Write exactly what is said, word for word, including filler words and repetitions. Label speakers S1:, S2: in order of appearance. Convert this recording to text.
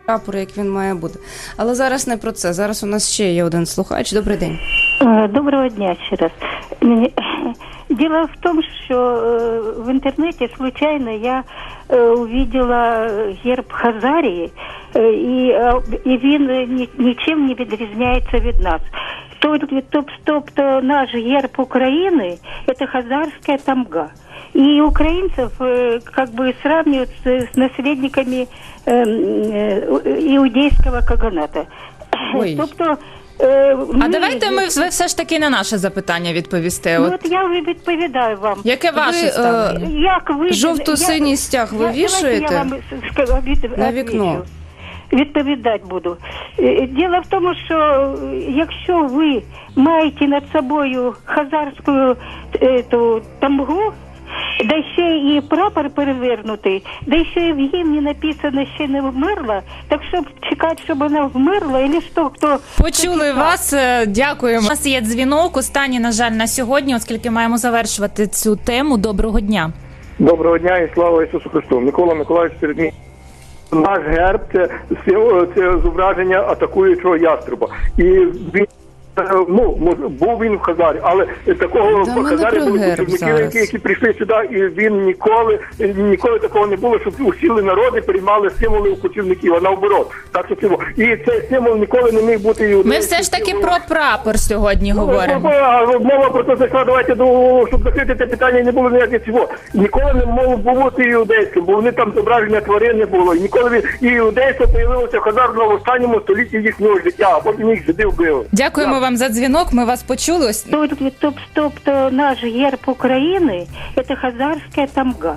S1: прапор, як він має бути. Але зараз не про це. Зараз у нас ще є один слухач. Добрий день.
S2: Доброго дня ще раз. Дело в том, что в интернете случайно я увидела герб Хазарії, і, і він нічим не відрізняється від нас. Тобто наш герб Украины – это хазарская тамга. И украинцев как бы сравнивают с наследниками иудейского каганата.
S1: Ой.
S2: Тобто,
S3: ми... А давайте ми все ж таки на наше запитання відповісте.
S2: Ну, от... от я відповідаю вам.
S3: Яке ваше
S1: ви,
S3: ставлення?
S2: Як ви...
S1: Жовто-синій стяг ви
S2: я...
S1: вішаєте
S2: я вам від...
S1: на вікно?
S2: Відповідати буду. Діло в тому, що якщо ви маєте над собою хазарську ету, тамгу, да ще і прапор перевернутий, да ще і в гімні написано «ще не вмерла», так щоб чекати, щоб вона вмерла, і що, хто...
S3: Почули вас, дякуємо. У нас є дзвінок, останній, на жаль, на сьогодні, оскільки маємо завершувати цю тему. Доброго дня.
S4: Доброго дня і слава Ісусу Христу. Микола Миколаївич Середмій. Наш герб – це, це зображення атакуючого яструба. І він, ну, був він в Хазарі, але такого
S1: да,
S4: в Хазарі були кочівники, які, які прийшли сюди, і він ніколи, ніколи такого не було, щоб усіли народи приймали символи у кочівників, а наоборот. Так, що, і цей символ ніколи не міг бути іудейським.
S3: Ми все ж таки про прапор сьогодні
S4: ну,
S3: говоримо.
S4: Мова про те зайшла, давайте, до, щоб закрити це питання, не було ніяких цього. Ніколи не мов бути іудейським, бо вони там зображення тварин не було. І ніколи він, і іудейство появилося в Хазарі в останньому столітті їхнього життя, а потім їх жиди вбили.
S3: Дякуємо так. вам за дзвінок, ми вас почули.
S2: Тобто наш герб України – це хазарська тамга.